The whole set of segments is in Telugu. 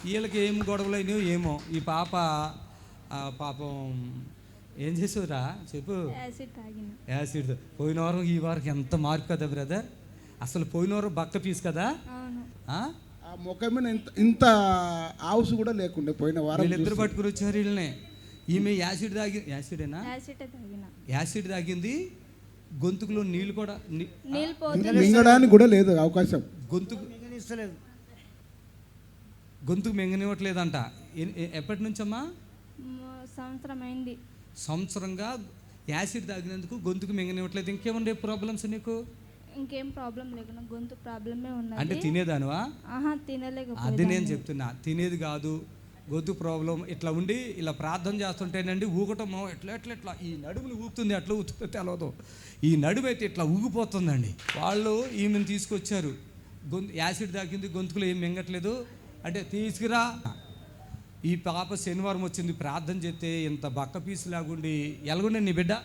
వీళ్ళకి ఏం గొడవలైనో ఏమో. ఈ పాప పాపం ఏం చేసావురా చెప్పు. యాసిడ్. పోయిన వారం ఈ వారం ఎంత మార్పు కదా బ్రదర్. అసలు పోయిన వారం బక్క పీస్ కదా. ఆ ముఖం మీద ఇంత ఆవుసు కూడా లేకుండే పోయిన వారం. వీళ్ళిద్దరు పట్టుకుని వచ్చారు వీళ్ళని. ఈమె యాసిడ్ తాగింది. గొంతుకులో నీళ్ళు కూడా మింగడానికి కూడా లేదు అవకాశం. గొంతుకు మింగనివ్వట్లేదంట. ఎప్పటి నుంచమ్మా? సంవత్సరంగా యాసిడ్ తాగినందుకు గొంతుకు మింగనివ్వట్లేదు. ఇంకేముండే ప్రాబ్లమ్స్ నీకు? ఇంకేం ప్రాబ్లం లేకుండా గొంతు ప్రాబ్లమే ఉన్నది. అంటే తినేదానువా? తినలేకపోతే. అది నేను చెప్తున్నా, తినేది కాదు, గొంతు ప్రాబ్లం. ఇట్లా ఉండి ఇలా ప్రార్థన చేస్తుంటేనండి ఊగటం ఎట్లా ఈ నడుములు ఊగుతుంది. అట్లా ఊగుతుందో తెలవదు. ఈ నడుము అయితే ఇట్లా ఊగిపోతుందండి. వాళ్ళు ఈమెను తీసుకొచ్చారు. యాసిడ్ తాగింది, గొంతుకులో ఏం మింగట్లేదు అంటే తీసుకురా. ఈ పాప శనివారం వచ్చింది, ప్రార్థన చేస్తే ఇంత బక్క పీసు లాగుండి. ఎలాగుండే నీ బిడ్డ?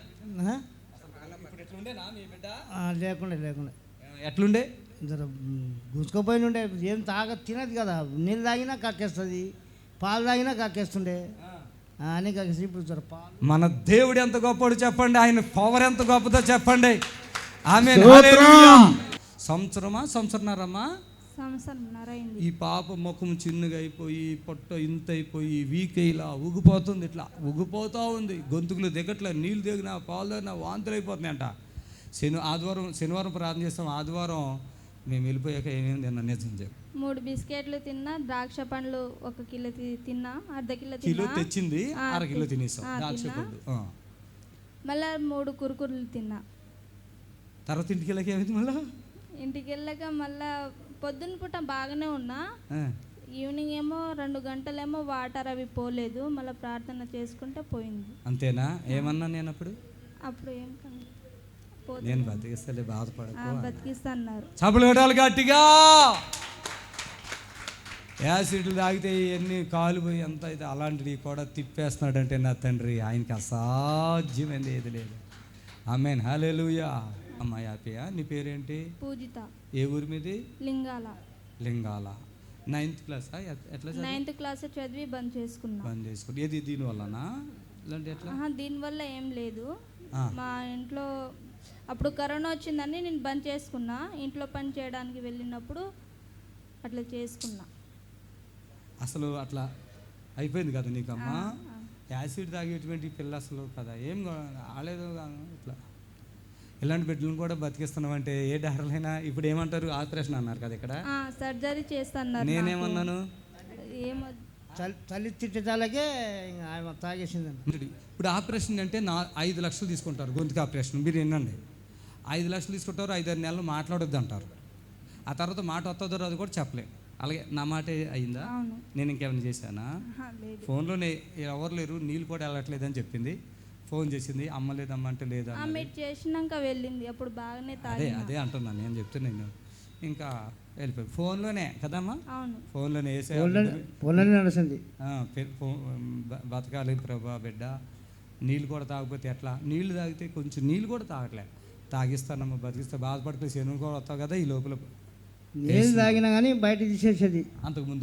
లేకుండా ఎట్లుండే? గుంజుకోపోయి ఉండే. ఏం తినదు కదా. నీళ్ళు తాగినా కక్కేస్తుంది, పాలు తాగినా కక్కేస్తుండే అని కక్కేసి. ఇప్పుడు పాలు. మన దేవుడు ఎంత గొప్పడు చెప్పండి, ఆయన పవర్ ఎంత గొప్పదో చెప్పండి. ఆమె సంవత్సరమా ఈ పాప ముఖం చిన్నగా అయిపోయి, పొట్ట ఇంత అయిపోయి, వీక్ ఇలా ఉగిపోతుంది. ఇట్లా ఉగిపోతూ ఉంది. గొంతుకులు దిగట్లే, నీళ్ళు దిగినా, పాలు దిగినా వాంతులు అయిపోతున్నాయి అంట. శనివారం ప్రార్థన చేస్తాం. ఆదివారం మేము వెళ్ళిపోయాక ఏమేమి తిన్నా నిజం చెప్పు. 3 బిస్కెట్లు తిన్నా, ద్రాక్ష పండ్లు 1 కిలో తిన్నా, అర్ధ కిలో తెచ్చింది, అర కిలో తినేసాం ద్రాక్ష పండ్లు. మళ్ళా 3 కురుకుర్లు తిన్నా. తర్వాత ఇంటికి వెళ్ళాక ఏమైంది? ఇంటికి వెళ్ళాక మళ్ళా పొద్దున్న పూట బాగానే ఉన్నా. ఈవినింగ్ ఏమో 2 గంటలేమో వాటర్ అవి పోలేదు. మళ్ళీ ప్రార్థన చేసుకుంటే పోయింది. అంతేనా? ఏమన్నా నేను అప్పుడు ఏం నేను బతికిస్తలే, బతికిస్తా అన్నారు. చప్పులు కొట్టాలి గట్టిగా. యాసిడ్లు తాగితే ఎన్ని కాలుపోయి ఎంత అయితే అలాంటివి కూడా తిప్పేస్తున్నాడంటే నా తండ్రి, ఆయనకి అసాధ్యమైంది ఏది లేదు. ఆమేన్, హల్లెలూయా. అమ్మ హ్యాపీయా? నీ పేరేంటి? పూజిత. ఏ ఊరి మీది? లింగాల. 9th class? ఎట్లా 9th క్లాస్ చదివి బంద్ చేసుకున్నా. ఏది దీనివల్లనా? ఇలాంటి ఎట్లా? దీనివల్ల ఏం లేదు. మా ఇంట్లో అప్పుడు కరోనా వచ్చిందని నేను బంద్ చేసుకున్నా. ఇంట్లో పని చేయడానికి వెళ్ళినప్పుడు అట్లా చేసుకున్నా. అసలు అట్లా అయిపోయింది కదా నీకమ్మా. యాసిడ్ తాగేటువంటి పిల్ల అసలు కదా ఏం ఆలేదు. ఇట్లా ఇలాంటి బిడ్డలను కూడా బతికిస్తున్నామంటే ఏ డాక్టర్లైనా ఇప్పుడు ఏమంటారు? ఆపరేషన్ అన్నారు కదా, ఇక్కడ సర్జరీ చేస్తున్నారు. నేనేమన్నాను? తల్లి తిట్టేదాలకే ఆయన తాగేసిందండి. ఇప్పుడు ఆపరేషన్ అంటే 5 లక్షలు తీసుకుంటారు గొంతుకు ఆపరేషన్. మీరు వినండి, 5 లక్షలు తీసుకుంటారు. 5-6 నెలలు మాట్లాడొద్దు అంటారు. ఆ తర్వాత మాట వస్తుందో అది కూడా చెప్పలేం. అలాగే నా మాట అయిందా? నేను ఇంకేమైనా చేశానా? ఫోన్లోనే ఎవరు లేరు, నీళ్ళు కూడా వెళ్ళట్లేదని చెప్పింది. ఫోన్ చేసింది, అమ్మ లేదమ్మ అంటే లేదా చేసినాక వెళ్ళింది. అప్పుడు బాగానే అదే అంటున్నాను నేను చెప్తున్నాను. ఇంకా వెళ్ళిపోయి ఫోన్లోనే కదమ్మా, ఫోన్లోనే నడుస్తుంది. బతకాలి ప్రభా బిడ్డ. నీళ్ళు కూడా తాగకపోతే ఎట్లా? నీళ్ళు తాగితే కొంచెం నీళ్ళు కూడా తాగట్లే. తాగిస్తానమ్మా, బతికిస్తే బాధపడిపోయి శనువు కూడా వస్తావు కదా. ఈ లోపల నీళ్ళు తాగినా కానీ బయట తీసేసేది. అంతకుముందు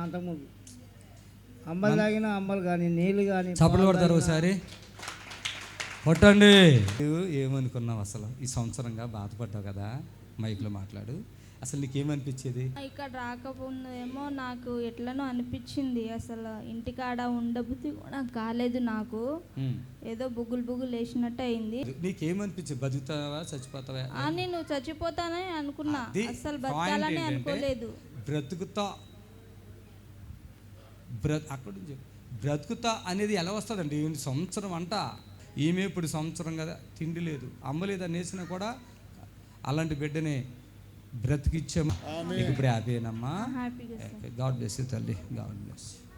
అమ్మలు తాగినా అమ్మలు కానీ నీళ్ళు కానీ. చప్పట్లు కొడతారు ఒకసారి, కొట్టండి. ఏమనుకున్నావు అసలు? ఈ సంవత్సరంగా బాధపడ్డావు కదా, మైక్లో మాట్లాడు. అసలు నీకేమనిపించేది? ఇక్కడ రాకపోయిందేమో నాకు ఎట్లనో అనిపించింది. అసలు ఇంటికాడ ఉండబుద్ధి కూడా కాలేదు నాకు. ఏదో బుగులు వేసినట్టు అయింది. నీకేమనిపించింది? బతుకుతావా చచ్చిపోతావా? నేను చచ్చిపోతానని అనుకున్నా, అసలు బతకాలని అనుకోలేదు. బ్రతుకుతా అనేది ఎలా వస్తుందండి? సంవత్సరం అంట. ఈమె ఇప్పుడు సంవత్సరం కదా, తిండి లేదు, అమ్మ లేదు అనేసినా కూడా అలాంటి బిడ్డనే బ్రతికిచ్చాము. ఇప్పుడు హ్యాపీనమ్మా. హ్యాపీగా. గాడ్ బ్లెస్ యూ తల్లి, గాడ్ బ్లెస్.